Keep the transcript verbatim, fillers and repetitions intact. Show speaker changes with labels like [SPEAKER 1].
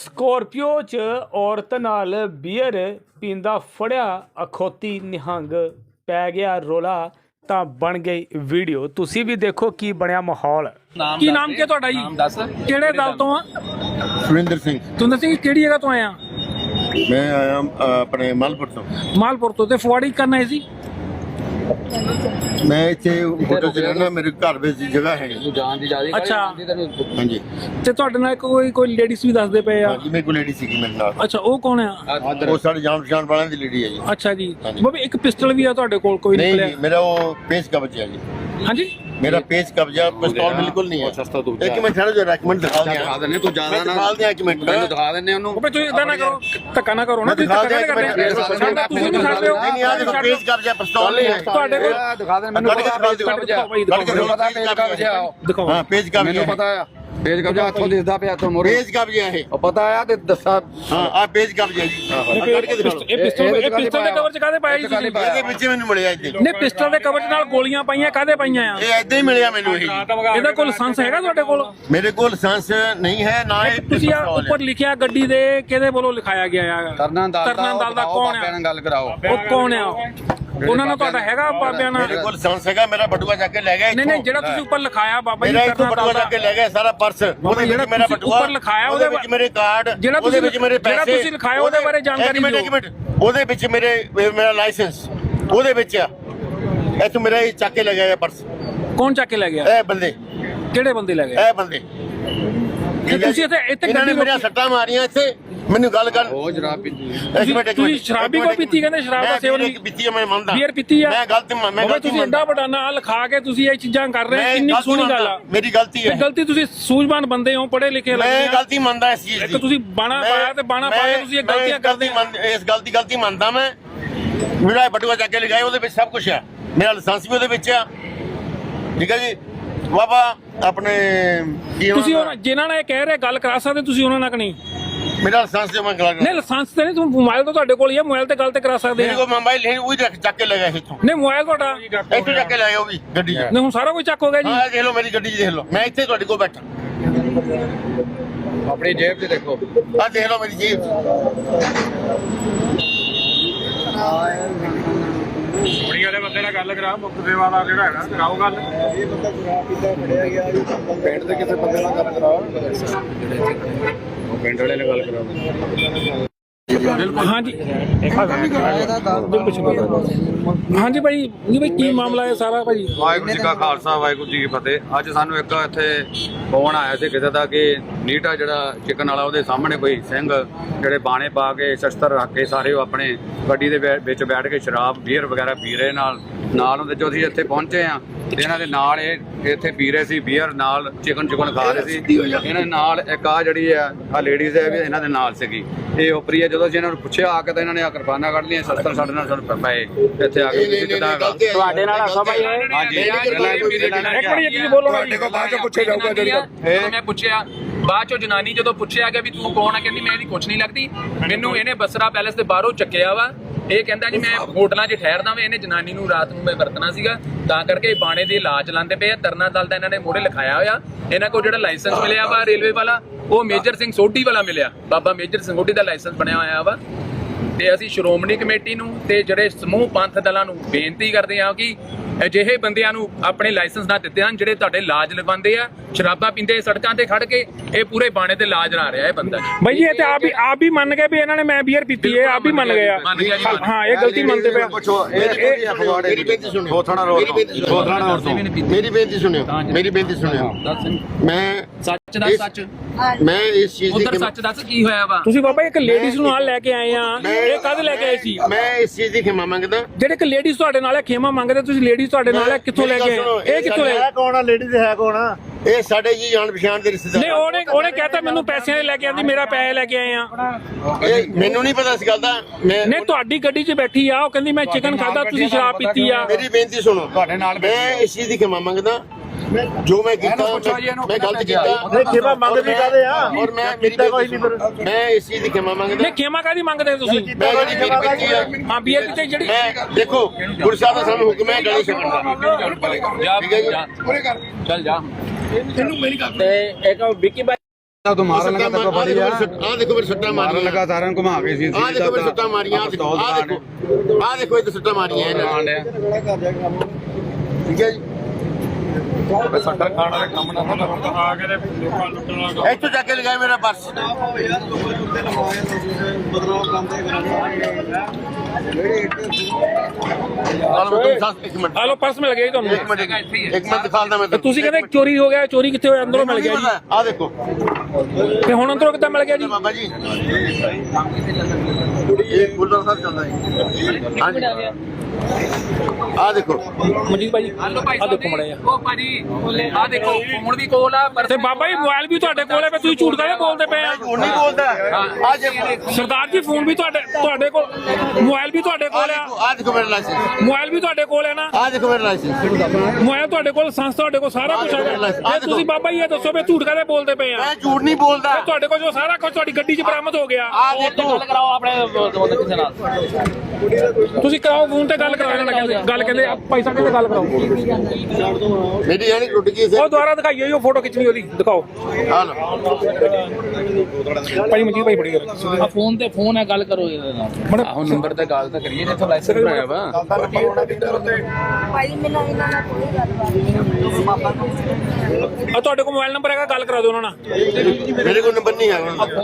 [SPEAKER 1] Scorpio 'ਚ ਔਰਤ ਨਾਲ ਬੀਅਰ ਪੀਂਦਾ ਫੜਿਆ ਅਖੌਤੀ ਨਿਹੰਗ ਪੈ ਗਿਆ ਰੋਲਾ ਤਾਂ ਬਣ ਗਈ ਵੀਡੀਓ। ਤੁਸੀਂ ਵੀ ਦੇਖੋ ਕੀ ਬਣਿਆ ਮਾਹੌਲ। ਕੀ ਨਾਮ ਕੀ ਤੁਹਾਡਾ ਜੀ?
[SPEAKER 2] ਦੱਸ
[SPEAKER 1] ਕਿਹੜੇ ਦਲ ਤੋਂ ਆ?
[SPEAKER 3] ਸੁਰਿੰਦਰ ਸਿੰਘ।
[SPEAKER 1] ਤੁਸੀਂ ਦੱਸੋ ਕਿਹੜੀ ਜਗ੍ਹਾ ਤੋਂ ਆਏ ਆ?
[SPEAKER 3] ਮੈਂ ਆਇਆ ਆਪਣੇ ਮਾਲਪੁਰ ਤੋਂ।
[SPEAKER 1] ਮਾਲਪੁਰ ਤੋਂ। ਤੇ ਫੁਆੜੀ ਕਰਨ ਆਏ ਸੀ?
[SPEAKER 3] ਮੈਂ ਇੱਥੇ ਹੋਟਲ 'ਚ ਰਹਿਣਾ, ਮੇਰੇ ਘਰ ਵਿੱਚ ਜਗ੍ਹਾ ਹੈ।
[SPEAKER 2] ਜਾਣ ਦੀ ਜਿਆਦਾ
[SPEAKER 1] ਅੱਛਾ।
[SPEAKER 3] ਹਾਂਜੀ।
[SPEAKER 1] ਤੇ ਤੁਹਾਡੇ ਨਾਲ ਕੋਈ ਕੋਈ ਲੇਡੀਜ਼ ਵੀ ਦੱਸਦੇ ਪਏ ਆ?
[SPEAKER 3] ਹਾਂਜੀ, ਮੇਰੇ ਕੋਲ ਲੇਡੀ ਸੀਗੀ ਮੇਰੇ ਨਾਲ।
[SPEAKER 1] ਅੱਛਾ, ਉਹ ਕੌਣ ਆ?
[SPEAKER 3] ਉਹ ਸਾਡੇ ਜਾਣ ਪਛਾਣ ਵਾਲਿਆਂ ਦੀ ਲੇਡੀ ਹੈ ਜੀ।
[SPEAKER 1] ਅੱਛਾ ਜੀ। ਬਾਬੇ ਇੱਕ ਪਿਸਟਲ ਵੀ ਆ ਤੁਹਾਡੇ ਕੋਲ? ਕੋਈ
[SPEAKER 3] ਨਹੀਂ
[SPEAKER 1] ਨਿਕਲਿਆ?
[SPEAKER 3] ਜੀ, ਮੇਰਾ ਉਹ ਪੇਚ ਕਬਜ਼ਾ ਜੀ।
[SPEAKER 1] ਹਾਂਜੀ,
[SPEAKER 3] मेरा पेज कब्जा पिस्तौल बिल्कुल नहीं है।
[SPEAKER 2] सस्ता तो
[SPEAKER 3] एक मिनट ठहरो, जो डॉक्यूमेंट दिखा दें।
[SPEAKER 2] दिखा देने तू ज्यादा ना
[SPEAKER 3] दिखा दें एक मिनट।
[SPEAKER 2] मैं दिखा देने ਉਹਨੂੰ।
[SPEAKER 1] ਬਾਬੇ ਤੁਸੀਂ ਇਦਾਂ ਨਾ ਕਰੋ, ਧੱਕਾ ਨਾ ਕਰੋ ਨਾ। ਤੁਸੀਂ
[SPEAKER 3] दिखा
[SPEAKER 1] ਧੱਕਾ
[SPEAKER 3] दें
[SPEAKER 1] ਨਾ
[SPEAKER 3] एक
[SPEAKER 1] ਕਰਦੇ
[SPEAKER 3] मिनट।
[SPEAKER 1] ਸਾਡਾ ਤੁਸੀਂ ਵੀ ਛੱਡ ਦਿਓ।
[SPEAKER 3] नहीं नहीं, आज देखो पेज कब्जा पिस्तौल नहीं है।
[SPEAKER 1] ਤੁਹਾਡੇ ਕੋਲ
[SPEAKER 2] ਦਿਖਾ ਦੇ ਮੈਨੂੰ।
[SPEAKER 3] ਕੱਢ ਕੇ ਦਿਖਾ ਦਿਓ।
[SPEAKER 1] ਦਿਖਾਓ ਭਾਈ, ਦਿਖਾਓ।
[SPEAKER 2] ਮੈਨੂੰ ਪਤਾ ਪੇਜ ਕਬਜ਼ਾ।
[SPEAKER 1] ਦਿਖਾਓ।
[SPEAKER 3] हाँ, पेज कब्जा
[SPEAKER 2] ਮੈਨੂੰ ਪਤਾ ਆ ਪੇਜ ਕਬਜ਼ਾ ਹੱਥੋਂ ਦਿਸਦਾ ਪਿਆ ਤੋਂ ਮੋਰੇ।
[SPEAKER 3] पेज कब्जा है।
[SPEAKER 2] ਉਹ ਪਤਾ ਆ ਤੇ ਦੱਸਾ।
[SPEAKER 3] हाँ, आ पेज कब्जा जी। ਕੱਢ ਕੇ ਦਿਖਾਓ।
[SPEAKER 1] ਇਹ ਪਿਸਟਲ ਇਹ ਪਿਸਟਲ ਦੇ ਕਵਰ ਚ ਕਾਹਦੇ ਪਾਇਆ ਜੀ ਤੁਸੀਂ?
[SPEAKER 3] ਇਹਦੇ ਵਿੱਚ ਮੈਨੂੰ ਮਿਲਿਆ ਇੱਥੇ।
[SPEAKER 1] ਨਹੀਂ, ਪਿਸਟਲ ਦੇ ਕਵਰ ਨਾਲ ਗੋਲੀਆਂ ਪਾਈਆਂ ਕਾਹਦੇ ਪਾਈਆਂ ਆ?
[SPEAKER 3] ਇਹ ਏਦਾਂ ਹੀ ਮਿਲਿਆ ਮੈਨੂੰ ਇਹ।
[SPEAKER 1] ਇਹਦਾ ਕੋਈ ਲਾਇਸੈਂਸ ਹੈਗਾ ਤੁਹਾਡੇ ਕੋਲ?
[SPEAKER 3] ਮੇਰੇ ਕੋਲ ਲਾਇਸੈਂਸ ਨਹੀਂ ਹੈ ਨਾ। ਇਹ
[SPEAKER 1] ਤੁਸੀਂ ਆ ਉੱਪਰ ਲਿਖਿਆ ਗੱਡੀ ਦੇ ਕਿਹਦੇ ਵੱਲੋਂ ਲਿਖਾਇਆ ਗਿਆ ਆ?
[SPEAKER 2] ਤਰਨਾ ਦਲ
[SPEAKER 1] ਤਰਨਾ ਦਲ ਦਾ ਕੌਣ ਆ?
[SPEAKER 2] ਨਾਲ ਗੱਲ ਕਰਾਓ।
[SPEAKER 1] ਉਹ ਕੌਣ ਆ? ਉਹਨਾਂ ਨਾਲ ਤੁਹਾਡਾ ਹੈਗਾ ਬਾਬਿਆਂ ਨਾਲ?
[SPEAKER 3] ਮੇਰੇ ਕੋਲ ਲਾਇਸੈਂਸ ਹੈਗਾ, ਮੇਰਾ ਬਟੂਆ ਚੱਕ ਕੇ ਲੈ ਗਿਆ।
[SPEAKER 1] ਨਹੀਂ ਨਹੀਂ, ਜਿਹੜਾ ਤੁਸੀਂ ਉੱਪਰ ਲਿਖਾਇਆ ਬਾਬਾ ਜੀ
[SPEAKER 3] ਮੇਰਾ ਇੱਥੋਂ
[SPEAKER 1] ਤਰਨਾ
[SPEAKER 3] ਬਟੂਆ
[SPEAKER 1] ਦਲ
[SPEAKER 3] ਚੱਕ ਕੇ ਲੈ ਗਿਆ, ਸਾਰਾ ਪਰਸ ਉਹਦੇ
[SPEAKER 1] ਜਿਹੜਾ
[SPEAKER 3] ਵਿੱਚ ਮੇਰਾ
[SPEAKER 1] ਤੁਸੀਂ
[SPEAKER 3] ਬਟੂਆ
[SPEAKER 1] ਉੱਪਰ ਲਿਖਾਇਆ,
[SPEAKER 3] ਉਹਦੇ ਵਿੱਚ ਮੇਰੇ ਕਾਰਡ,
[SPEAKER 1] ਜਿਹੜਾ
[SPEAKER 3] ਉਹਦੇ
[SPEAKER 1] ਤੁਸੀਂ
[SPEAKER 3] ਵਿੱਚ ਮੇਰੇ
[SPEAKER 1] ਜਿਹੜਾ
[SPEAKER 3] ਪੈਸੇ
[SPEAKER 1] ਤੁਸੀਂ ਲਿਖਾਇਆ ਉਹਦੇ ਬਾਰੇ ਜਾਣਕਾਰੀ
[SPEAKER 3] ਇੱਕ ਮਿੰਟ
[SPEAKER 1] ਦਿਓ।
[SPEAKER 3] ਇੱਕ ਮਿੰਟ, ਉਹਦੇ ਵਿੱਚ ਮੇਰੇ ਮੇਰਾ ਲਾਇਸੈਂਸ ਉਹਦੇ ਵਿੱਚ ਆ। ਇੱਥੋਂ ਮੇਰਾ ਇਹ ਚੱਕ ਕੇ ਲੈ ਗਿਆ ਪਰਸ।
[SPEAKER 1] ਕੌਣ ਚੱਕ ਕੇ ਲੈ ਗਿਆ?
[SPEAKER 3] ਇਹ ਬੰਦੇ।
[SPEAKER 1] ਕਿਹੜੇ ਬੰਦੇ ਲੈ ਗਏ?
[SPEAKER 3] ਇਹ ਬੰਦੇ।
[SPEAKER 1] ਤੇ ਤੁਸੀਂ ਇੱਥੇ ਇੱਥੇ
[SPEAKER 3] ਇਹਨਾਂ ਨੇ
[SPEAKER 1] ਗੱਡੀ
[SPEAKER 3] ਮੇਰੀਆਂ ਸੱਟਾਂ ਮਾਰੀਆਂ ਇੱਥੇ। ਮੈਨੂੰ ਗੱਲ ਕਰ।
[SPEAKER 2] ਉਹ ਜਨਾਬ ਪੀਤੀ।
[SPEAKER 3] ਇੱਕ ਮਿੰਟ ਇੱਕ
[SPEAKER 1] ਤੁਸੀਂ
[SPEAKER 3] ਮਿੰਟ।
[SPEAKER 1] ਸ਼ਰਾਬੀ ਕੋ ਪੀਤੀ? ਕਹਿੰਦੇ ਸ਼ਰਾਬ ਦਾ ਸੇਵਨ
[SPEAKER 3] ਮੈਂ ਪੀਤੀ ਹੈ, ਮੈਂ ਮੰਨਦਾ।
[SPEAKER 1] ਬੀਅਰ ਪੀਤੀ ਆ?
[SPEAKER 3] ਮੈਂ ਗਲਤ ਮੈਂ
[SPEAKER 1] ਬਾਬਾ
[SPEAKER 3] ਗਲਤੀ
[SPEAKER 1] ਤੁਸੀਂ ਐਡਾ ਵੱਡਾ ਨਾਂ ਲਿਖਾ ਕੇ ਤੁਸੀਂ ਇਹ ਚੀਜ਼ਾਂ ਕਰ ਰਹੇ ਹੋ, ਕਿੰਨੀ ਸੋਹਣੀ ਗੱਲ ਆ।
[SPEAKER 3] ਮੇਰੀ ਗਲਤੀ
[SPEAKER 1] ਤੇ
[SPEAKER 3] ਹੈ।
[SPEAKER 1] ਗਲਤੀ ਤੁਸੀਂ ਸੂਝਵਾਨ ਬੰਦੇ ਹੋ, ਪੜ੍ਹੇ ਲਿਖੇ
[SPEAKER 3] ਮੈਂ
[SPEAKER 1] ਲੱਗਦੇ ਆ।
[SPEAKER 3] ਗਲਤੀ ਮੰਨਦਾ ਇਸ ਚੀਜ਼ ਦੀ।
[SPEAKER 1] ਇੱਕ ਤੁਸੀਂ ਬਾਣਾ ਪਾਇਆ ਤੇ ਬਾਣਾ ਪਾ ਕੇ ਤੁਸੀਂ ਇਹ ਗਲਤੀਆਂ ਕਰਦੇ ਆ।
[SPEAKER 3] ਇਸ ਗਲਤੀ ਗਲਤੀ ਮੰਨਦਾ ਮੈਂ। ਮੇਰਾ ਬਟੂਆ ਚੱਕ ਕੇ ਲਗਾਇਆ, ਉਹਦੇ ਵਿੱਚ ਸਭ ਕੁਝ ਹੈ। ਮੇਰਾ ਲਾਇਸੈਂਸ ਵੀ ਉਹਦੇ ਵਿੱਚ ਆ। ਠੀਕ ਹੈ ਜੀ। ਬਾਬਾ ਆਪਣੇ
[SPEAKER 1] ਤੁਸੀਂ ਉਹਨਾਂ ਜਿਨ੍ਹਾਂ ਨਾਲ ਇਹ ਕਹਿ ਰਹੇ ਗੱਲ ਕਰਾ ਸਕਦੇ, ਤੁਸੀਂ ਉਹਨਾਂ ਨਾਲ ਨਹੀਂ?
[SPEAKER 3] ਮੇਰਾ ਲਾਇਸੈਂਸ ਜਮਾ ਕਰਾ
[SPEAKER 1] ਨਹੀਂ, ਲਾਇਸੈਂਸ ਤੇ ਨਹੀਂ, ਤੁਸੀਂ ਮੋਬਾਈਲ ਤਾਂ ਤੁਹਾਡੇ ਕੋਲ ਹੀ ਹੈ, ਮੋਬਾਈਲ ਤੇ ਗੱਲ ਤੇ ਕਰਾ ਸਕਦੇ
[SPEAKER 3] ਮੇਰੇ
[SPEAKER 1] ਆ।
[SPEAKER 3] ਕੋਲ ਮੋਬਾਈਲ ਹੈ, ਉਹ ਹੀ ਚੱਕ ਕੇ ਲਗਾਇਆ ਇੱਥੋਂ।
[SPEAKER 1] ਨਹੀਂ, ਮੋਬਾਈਲ ਤੁਹਾਡਾ
[SPEAKER 3] ਇੱਥੋਂ ਚੱਕ ਕੇ ਲਾਇਆ ਉਹ ਵੀ ਗੱਡੀ 'ਚ।
[SPEAKER 1] ਨਹੀਂ, ਹੁਣ ਸਾਰਾ ਕੁਝ ਚੱਕ ਹੋ ਗਿਆ ਜੀ।
[SPEAKER 3] ਹਾਂ, ਦੇਖ ਲਓ ਮੇਰੀ ਗੱਡੀ 'ਚ, ਦੇਖ ਲਓ ਮੈਂ ਇੱਥੇ ਤੁਹਾਡੇ ਕੋਲ ਬੈਠਾ।
[SPEAKER 2] ਆਪਣੀ ਜੇਬ 'ਚ ਦੇਖੋ।
[SPEAKER 3] ਆਹ ਦੇਖ ਲਓ ਮੇਰੀ ਜੇਬ।
[SPEAKER 1] ਕੁੜੀ ਵਾਲੇ ਬੰਦੇ ਨਾਲ ਗੱਲ ਕਰਾ, ਮੁੱਖ ਸੇਵਾ ਦਾ ਜਿਹੜਾ ਹੈਗਾ ਕਰਾਓ ਗੱਲ।
[SPEAKER 3] ਇਹ ਬੰਦਾ ਸ਼ਰਾਬ ਪੀਂਦਾ ਫੜਿਆ ਗਿਆ ਜੀ। ਪਿੰਡ ਦੇ ਕਿਸੇ ਬੰਦੇ ਨਾਲ ਗੱਲ ਕਰਾਓ।
[SPEAKER 2] ਉਹ ਪਿੰਡ ਵਾਲੇ ਨਾਲ ਗੱਲ ਕਰਾਓ।
[SPEAKER 1] ਹਾਂਜੀ ਹਾਂਜੀ ਭਾਈ ਜੀ, ਭਾਈ ਕੀ ਮਾਮਲਾ ਹੈ ਸਾਰਾ ਭਾਈ?
[SPEAKER 2] ਵਾਹਿਗੁਰੂ ਜੀ ਕਾ ਖਾਲਸਾ ਵਾਹਿਗੁਰੂ ਜੀ ਕੀ ਫਤਿਹ। ਅੱਜ ਸਾਨੂੰ ਇੱਕ ਇੱਥੇ ਫੋਨ ਆਇਆ ਸੀ ਕਿਸੇ ਦਾ ਕਿ ਨੀਟਾ ਜਿਹੜਾ ਚਿਕਨ ਵਾਲਾ, ਉਹਦੇ ਸਾਹਮਣੇ ਕੋਈ ਸਿੰਘ ਜਿਹੜੇ ਬਾਣੇ ਪਾ ਕੇ ਸ਼ਸਤਰ ਰੱਖ ਕੇ ਸਾਰੇ ਉਹ ਆਪਣੇ ਗੱਡੀ ਦੇ ਵਿੱਚ ਬੈਠ ਕੇ ਸ਼ਰਾਬ ਬੀਅਰ ਵਗੈਰਾ ਪੀ ਰਹੇ। ਨਾਲ ਨਾਲ ਉਹਦੇ ਜੋ ਅਸੀਂ ਇੱਥੇ ਪਹੁੰਚੇ ਆ ਤੇ ਇਹਨਾਂ ਦੇ ਨਾਲ ਇਹ ਇੱਥੇ ਪੀ ਰਹੇ ਸੀ ਬੀਅਰ, ਨਾਲ ਚਿਕਨ ਚਿਕਨ ਖਾ ਰਹੇ ਸੀ। ਇਹਨਾਂ ਦੇ ਨਾਲ ਇੱਕ ਆ ਜਿਹੜੀ ਆ ਆ ਲੇਡੀਜ਼ ਹੈ ਵੀ ਇਹਨਾਂ ਦੇ ਨਾਲ ਸੀਗੀ। ਇਹ ਉਪਰੀ ਹੈ। ਜਦੋਂ ਅਸੀਂ ਇਹਨਾਂ ਨੂੰ ਪੁੱਛਿਆ ਆ ਕੇ ਤਾਂ ਇਹਨਾਂ ਨੇ ਆ ਕਿਰਪਾਨਾਂ ਕੱਢ ਲਈਆਂ, ਸ਼ਸਤਰ ਸਾਡੇ ਨਾਲ ਸਾਨੂੰ ਪਏ ਇੱਥੇ ਆ ਕੇ।
[SPEAKER 1] ਤੁਹਾਡੇ ਨਾਲ ਹਾਸਾ ਭਾਈ ਹੈ?
[SPEAKER 2] ਹਾਂਜੀ,
[SPEAKER 1] ਇੱਕ ਮਿੰਟ ਤੁਸੀਂ ਬੋਲੋ ਨਾ।
[SPEAKER 3] ਕੋ ਬਾਅਦ ਚ ਪੁੱਛਿਆ ਜਾਊਗਾ ਜਿਹੜੀ
[SPEAKER 4] ਜਦੋਂ ਮੈਂ ਪੁੱਛਿਆ ਬਾਅਦ ਚੋਂ ਜਨਾਨੀ ਜਦੋਂ ਪੁੱਛਿਆ ਗਿਆ ਵੀ ਤੂੰ ਕੌਣ ਆ, ਕਹਿੰਦੀ ਮੈਂ ਇਹਦੀ ਕੁਛ ਨਹੀਂ ਲੱਗਦੀ। ਮੈਨੂੰ ਇਹਨੇ ਬਸਰਾ ਪੈਲੇਸ ਦੇ ਬਾਹਰੋਂ ਚੱਕਿਆ ਵਾ। ਇਹ ਕਹਿੰਦਾ ਜੀ ਮੈਂ ਹੋਟਲਾਂ 'ਚ ਠਹਿਰਦਾ ਵਾਂ। ਇਹਨੇ ਜਨਾਨੀ ਨੂੰ ਰਾਤ ਨੂੰ ਮੈਂ ਵਰਤਣਾ ਸੀਗਾ, ਤਾਂ ਕਰਕੇ ਬਾਣੇ ਦੀ ਲਾਜ ਲਾਉਂਦੇ ਪਏ ਆ। ਤਰਨਾ ਦਲ ਦਾ ਇਹਨਾਂ ਨੇ ਮੋਹਰੇ ਲਿਖਾਇਆ ਹੋਇਆ। ਇਹਨਾਂ ਕੋਲ ਜਿਹੜਾ ਲਾਇਸੈਂਸ ਮਿਲਿਆ ਵਾ ਰੇਲਵੇ ਵਾਲਾ, ਉਹ ਮੇਜਰ ਸਿੰਘ ਸੋਢੀ ਵਾਲਾ ਮਿਲਿਆ। ਬਾਬਾ ਮੇਜਰ ਸਿੰਘ ਸੋਢੀ ਦਾ ਲਾਇਸੈਂਸ ਬਣਿਆ ਹੋਇਆ ਵਾ। ਤੇ ਅਸੀਂ ਸ਼੍ਰੋਮਣੀ ਕਮੇਟੀ ਨੂੰ ਤੇ ਜਿਹੜੇ ਸਮੂਹ ਪੰਥ ਦਲਾਂ ਨੂੰ ਬੇਨਤੀ ਕਰਦੇ ਹਾਂ ਕਿ ਅਜਿਹੇ ਬੰਦਿਆਂ ਨੂੰ ਆਪਣੇ ਲਾਇਸੈਂਸ ਨਾ ਦਿੱਤੇ ਹਨ, ਜਿਹੜੇ ਤੁਹਾਡੇ ਲਾਜ ਲਗਵਾਉਂਦੇ ਆ, ਸ਼ਰਾਬਾਂ ਪੀਂਦੇ ਸੜਕਾਂ ਤੇ ਖੜ ਕੇ। ਇਹ ਪੂਰੇ ਬਾਣੇ ਤੇ ਲਾਜ ਲਾ ਰਿਹਾ ਇਹ ਬੰਦਾ।
[SPEAKER 1] ਭਾਈ ਜੀ ਇਹ ਤੇ ਆਪ ਵੀ ਆਪ ਵੀ ਮੰਨ ਗਏ ਵੀ ਇਹਨਾਂ ਨੇ ਮੈਂ ਬੀਅਰ ਪੀਤੀ ਹੈ, ਆਪ ਵੀ ਮੰਨ ਗਏ ਆ। ਹਾਂ, ਇਹ ਗਲਤੀ ਮੰਨਦੇ ਪਏ।
[SPEAKER 3] ਮੇਰੀ ਬੇਨਤੀ ਸੁਣਿਓ।
[SPEAKER 2] ਹੋਥਣਾ ਰੋਡ ਤੋਂ ਹੋਥਣਾ ਰੋਡ ਤੋਂ
[SPEAKER 3] ਮੇਰੀ ਬੇਨਤੀ ਸੁਣਿਓ। ਮੇਰੀ ਬੇਨਤੀ ਸੁਣਿਓ। ਮੈਂ
[SPEAKER 4] ਸੱਚ ਦਾ ਸੱਚ
[SPEAKER 3] ਮੈਂ ਇਸ ਚੀਜ਼ ਦੀ
[SPEAKER 4] ਉਧਰ ਸੱਚ ਦੱਸ ਕੀ ਹੋਇਆ ਵਾ?
[SPEAKER 1] ਤੁਸੀਂ ਬਾਬਾ ਇੱਕ ਲੇਡੀਜ਼ ਨੂੰ ਨਾਲ ਲੈ ਕੇ ਆਏ ਆ, ਇਹ ਕਦ ਲੈ ਕੇ ਆਏ ਸੀ?
[SPEAKER 3] ਮੈਂ ਇਸ ਚੀਜ਼ ਦੀ ਖਿਮਾ ਮੰਗਦਾ।
[SPEAKER 1] ਜਿਹੜੇ ਇੱਕ ਲੇਡੀਜ਼ ਤੁਹਾਡੇ ਨਾਲ ਹੈ ਖੇਮਾ ਮੰਗਦੇ, ਤੁਸੀਂ ਲੇਡੀਜ਼ ਤੁਹਾਡੇ ਨਾਲ ਹੈ, ਕਿੱਥੋਂ ਲੈ ਕੇ ਆਏ? ਇਹ ਕਿੱਥੋਂ ਲੈ?
[SPEAKER 3] ਕੌਣ ਆ ਲੇਡੀਜ਼ ਹੈ? ਕੌਣ ਆ ਇਹ? ਸਾਡੇ ਜੀ ਜਾਣ ਪਛਾਣ ਦੇ ਰਿਸ਼ਤੇਦਾਰ।
[SPEAKER 1] ਨਹੀਂ, ਉਹਨੇ ਉਹਨੇ ਕਹਿਤਾ ਮੈਨੂੰ ਪੈਸਿਆਂ ਦੇ ਲੈ ਕੇ ਆਂਦੀ, ਮੇਰਾ ਪੈਸੇ ਲੈ ਕੇ ਆਏ ਆ।
[SPEAKER 3] ਇਹ ਮੈਨੂੰ ਨਹੀਂ ਪਤਾ ਇਸ ਗੱਲ ਦਾ। ਮੈਂ
[SPEAKER 1] ਨਹੀਂ, ਤੁਹਾਡੀ ਗੱਡੀ 'ਚ ਬੈਠੀ ਆ, ਉਹ ਕਹਿੰਦੀ ਮੈਂ ਚਿਕਨ ਖਾਦਾ, ਤੁਸੀਂ ਸ਼ਰਾਬ ਪੀਤੀ ਆ।
[SPEAKER 3] ਮੇਰੀ ਬੇਨਤੀ ਸੁਣੋ।
[SPEAKER 2] ਤੁਹਾਡੇ ਨਾਲ
[SPEAKER 3] ਮੈਂ ਇਸ ਚੀਜ਼ ਦੀ ਖਿਮਾ ਮੰਗਦਾ। ਜੋ ਮੈਂ ਕੀਤਾ ਮੈਂ ਗਲਤ ਕੀਤਾ।
[SPEAKER 5] ਨਹੀਂ ਖਿਮਾ ਮੰਗਦੇ ਕਾਦੇ ਆ?
[SPEAKER 3] ਔਰ ਮੈਂ ਮੇਰੀ ਬੇਨਤੀ ਸੁਣੋ। ਮੈਂ ਇਸ ਚੀਜ਼ ਦੀ ਖਿਮਾ ਮੰਗਦਾ।
[SPEAKER 1] ਨਹੀਂ, ਖੇਮਾ ਕਾਦੀ ਮੰਗਦੇ ਤੁਸੀਂ?
[SPEAKER 3] ਮੈਂ ਜਿਹੜੀ ਮੇਰੀ ਬੇਨਤੀ ਆ,
[SPEAKER 1] ਹਾਂ, ਬੀਅਰ ਪੀਤੀ ਜਿਹੜੀ।
[SPEAKER 3] ਮੈਂ ਦੇਖੋ ਗੁਰੂ ਸਾਹਿਬ ਦਾ ਸਾਨੂੰ ਹੁਕਮ ਹੈ ਗਲੀ ਛੱਡਣ ਦਾ।
[SPEAKER 4] ਜਾ
[SPEAKER 3] ਠੀਕ ਹੈ ਜੀ।
[SPEAKER 4] ਚੱਲ ਜਾ।
[SPEAKER 5] ਤੇ ਇੱਕ ਵਿੱਕੀ
[SPEAKER 2] ਤਾਂ ਤੂੰ ਮਾਰਨ ਲੱਗਾ ਤਾਂ ਬੜੀ ਆ
[SPEAKER 3] ਆ ਦੇਖੋ ਮੇਰੇ ਸੱਟਾਂ
[SPEAKER 2] ਮਾਰਨ
[SPEAKER 3] ਮਾਰੀਆਂ
[SPEAKER 2] ਲੱਗਾ ਸਾਰਿਆਂ ਨੂੰ ਘੁਮਾ ਕੇ ਸੀ
[SPEAKER 3] ਆ ਦੇਖੋ ਮੇਰੇ ਸੱਟਾਂ ਮਾਰੀਆਂ ਆ ਦੇਖੋ ਆ ਦੇਖੋ ਆ ਦੇਖੋ ਇਹ ਸੱਟਾਂ ਮਾਰੀਆਂ ਇਹਨਾਂ ਨੇ ਠੀਕ ਹੈ ਜੀ
[SPEAKER 2] ਸੱਟਾਂ ਖਾਣ ਵਾਲੇ ਕੰਮ ਨਾ ਆ ਕੇ ਲੋਕਾਂ ਲੁੱਟਣਾ
[SPEAKER 3] ਇੱਥੋਂ ਜਾ ਕੇ ਲਗਾਏ ਮੇਰਾ ਪਰਸ ਇੱਕ ਮਿੰਟ
[SPEAKER 1] ਆ ਲੋ ਪਰਸ ਮਿਲ ਗਿਆ ਜੀ ਤੁਹਾਨੂੰ
[SPEAKER 3] ਇੱਕ ਮਿੰਟ ਇੱਕ ਮਿੰਟ ਦਿਖਾਉਂਦਾ ਮੈਂ
[SPEAKER 1] ਤੁਸੀਂ ਕਹਿੰਦੇ ਚੋਰੀ ਹੋ ਗਿਆ ਚੋਰੀ ਕਿੱਥੇ ਹੋਇਆ ਅੰਦਰੋਂ ਮਿਲ ਗਿਆ ਜੀ
[SPEAKER 3] ਆ ਦੇਖੋ
[SPEAKER 1] ਤੇ ਹੁਣ ਅੰਦਰੋਂ ਕਿੱਦਾਂ ਮਿਲ ਗਿਆ ਜੀ
[SPEAKER 3] ਬਾਬਾ ਜੀ ਇਹ ਗੁਰਦੁਆਰਾ ਸਾਹਿਬ ਚੱਲਦਾ ਹੈ ਹਾਂਜੀ ਆ ਦੇਖੋ
[SPEAKER 1] ਮਨਜੀਤ ਭਾਈ
[SPEAKER 4] ਹਲੋ ਭਾਈ
[SPEAKER 1] ਆ ਦੇਖੋ ਮੜਿਆ
[SPEAKER 4] ਉਹ ਭਾਜੀ ਆ ਦੇਖੋ ਫੋਨ ਵੀ ਕੋਲ ਆ ਪਰ
[SPEAKER 1] ਤੇ ਬਾਬਾ ਜੀ ਮੋਬਾਈਲ ਵੀ ਤੁਹਾਡੇ ਕੋਲ ਹੈ, ਤੁਸੀਂ ਝੂਠ ਕਾਹਦੇ ਬੋਲਦੇ ਪਏ ਆ?
[SPEAKER 3] ਝੂਠ ਨਹੀਂ ਬੋਲਦਾ ਆ ਜੇ
[SPEAKER 1] ਸਰਦਾਰ ਜੀ ਫੋਨ ਵੀ ਤੁਹਾਡੇ ਤੁਹਾਡੇ ਕੋਲ, ਮੋਬਾਈਲ ਵੀ ਤੁਹਾਡੇ
[SPEAKER 3] ਆ
[SPEAKER 1] ਕੋਲ ਆ,
[SPEAKER 3] ਦੇਖੋ ਆ ਦੇਖੋ ਮੇਰਾ ਲਾਇਸੈਂਸ
[SPEAKER 1] ਮੋਬਾਈਲ ਵੀ ਤੁਹਾਡੇ ਕੋਲ ਹੈ ਨਾ,
[SPEAKER 3] ਆ ਦੇਖੋ ਮੇਰਾ ਲਾਇਸੈਂਸ
[SPEAKER 1] ਮੋਬਾਈਲ ਤੁਹਾਡੇ ਕੋਲ, ਸੰਸ ਤੁਹਾਡੇ ਕੋਲ, ਸਾਰਾ ਕੁਝ ਹੈਗਾ। ਤੇ ਤੁਸੀਂ ਬਾਬਾ ਜੀ ਇਹ ਦੱਸੋ ਵੀ ਝੂਠ ਕਾਹਦੇ ਬੋਲਦੇ ਪਏ ਆ?
[SPEAKER 3] ਮੈਂ ਝੂਠ ਨਹੀਂ ਬੋਲਦਾ
[SPEAKER 1] ਤੇ ਤੁਹਾਡੇ ਕੋਲ ਜੋ ਸਾਰਾ ਕੁਝ ਤੁਹਾਡੀ ਗੱਡੀ 'ਚ ਬਰਾਮਦ ਹੋ ਗਿਆ,
[SPEAKER 3] ਆ ਦੇਖੋ
[SPEAKER 4] ਕਰਾਓ ਆਪਣੇ ਕਿਸੇ ਨਾਲ
[SPEAKER 1] ਤੁਸੀਂ ਕਰਾਓ ਫੋਨ ਤੇ ਗੱਲ ਕਰਾਓ ਇਹਨਾਂ ਨਾਲ, ਗੱਲ ਕਹਿੰਦੇ ਭਾਈ ਸਾਹਿਬ ਨਾਲ ਗੱਲ ਕਰਾਓ।
[SPEAKER 3] ਮੇਰੀ ਯਾਨੀ ਟੁੱਟ ਗਈ ਸੀ
[SPEAKER 1] ਉਹ ਦੁਬਾਰਾ ਦਿਖਾਈਓ ਜੀ, ਉਹ ਫੋਟੋ ਖਿੱਚਣੀ ਉਹਦੀ ਦਿਖਾਓ
[SPEAKER 3] ਆ ਲਓ
[SPEAKER 1] ਭਾਈ ਮਨਜੀਤ ਭਾਈ ਫੜੀ
[SPEAKER 6] ਆ ਫੋਨ ਤੇ ਫੋਨ ਹੈ, ਗੱਲ ਕਰੋ ਇਹਦੇ ਨਾਲ।
[SPEAKER 4] ਆਹੋ ਨੰਬਰ ਤੇ ਗੱਲ ਤਾਂ ਕਰੀਏ ਜਿੱਥੋਂ ਲਾਇਸੈਂਸ ਬਣਾਇਆ ਵਾ
[SPEAKER 7] ਭਾਈ ਮੈਨੂੰ ਇਹਨਾਂ ਨਾਲ ਕੋਈ ਗੱਲਬਾਤ ਨਹੀਂ ਬਾਬਾ
[SPEAKER 1] ਆ ਤੁਹਾਡੇ ਕੋਲ ਮੋਬਾਈਲ ਨੰਬਰ ਹੈਗਾ, ਗੱਲ ਕਰਾ ਦਿਓ ਉਹਨਾਂ ਨਾਲ।
[SPEAKER 3] ਮੇਰੇ ਕੋਲ ਨੰਬਰ ਨਹੀਂ ਹੈ